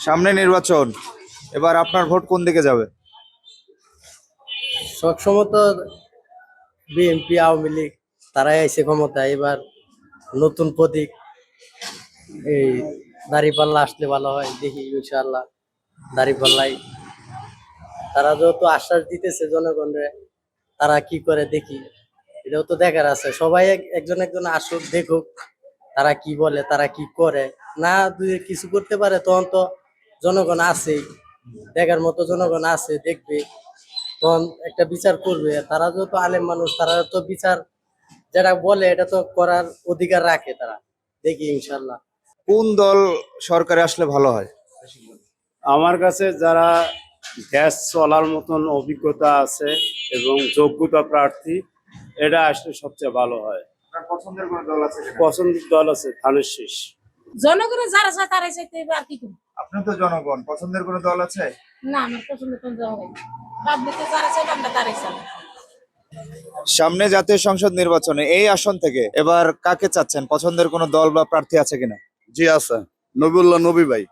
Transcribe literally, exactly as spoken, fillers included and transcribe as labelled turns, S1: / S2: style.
S1: সামনে নির্বাচন, এবার আপনার ভোট কোন দিকে যাবে?
S2: সবসময় তো বিএনপি আওয়ামী লীগ তারাই আইছে ক্ষমতা। এবার নতুন প্রতীক এই দাঁড়িপাল্লা আসলে ভালো হয়, দেখি ইনশাআল্লাহ দাঁড়িপাল্লাই। তারা যত আশ্বাস দিতেছে জনগণরে, তারা কি করে দেখি, এটাও তো দেখার আছে। সবাই এক- একজন একজন আসুক, দেখুক তারা কি বলে, তারা কি করে। না দুই কিছু করতে পারে তখন তো জনগণ আছেই, দেখার মতো জনগণ আছে, দেখবে তখন একটা বিচার করবে। তারা যত আলেম মানুষ, তারা তো বিচার যেটা বলে এটা তো করার অধিকার রাখে তারা, দেখি ইনশাল্লাহ।
S1: কোন দল সরকারে আসলে ভালো হয়?
S3: আমার কাছে যারা দেশ চলার মতন অভিজ্ঞতা আছে এবং যোগ্যতা প্রার্থী, এটা আসলে সবচেয়ে ভালো হয়।
S1: আপনার পছন্দের কোন দল আছে?
S3: পছন্দের দল আছে ধানের শীষ।
S4: জনগণের যারা চায় তারাই চাইতে হবে, আর কি করবো।
S1: আপনি তো জনগণ, পছন্দের কোন দল আছে?
S4: না, আমার পছন্দ কোন জনগণ পাবলিকে যারা চাইবে আমরা তারাই চাই।
S1: সামনে জাতীয় সংসদ নির্বাচনে এই আসন থেকে এবার কাকে চাচ্ছেন? পছন্দের কোন দল বা প্রার্থী আছে কিনা?
S5: জি আছে, নবিউল্লাহ নবী ভাই।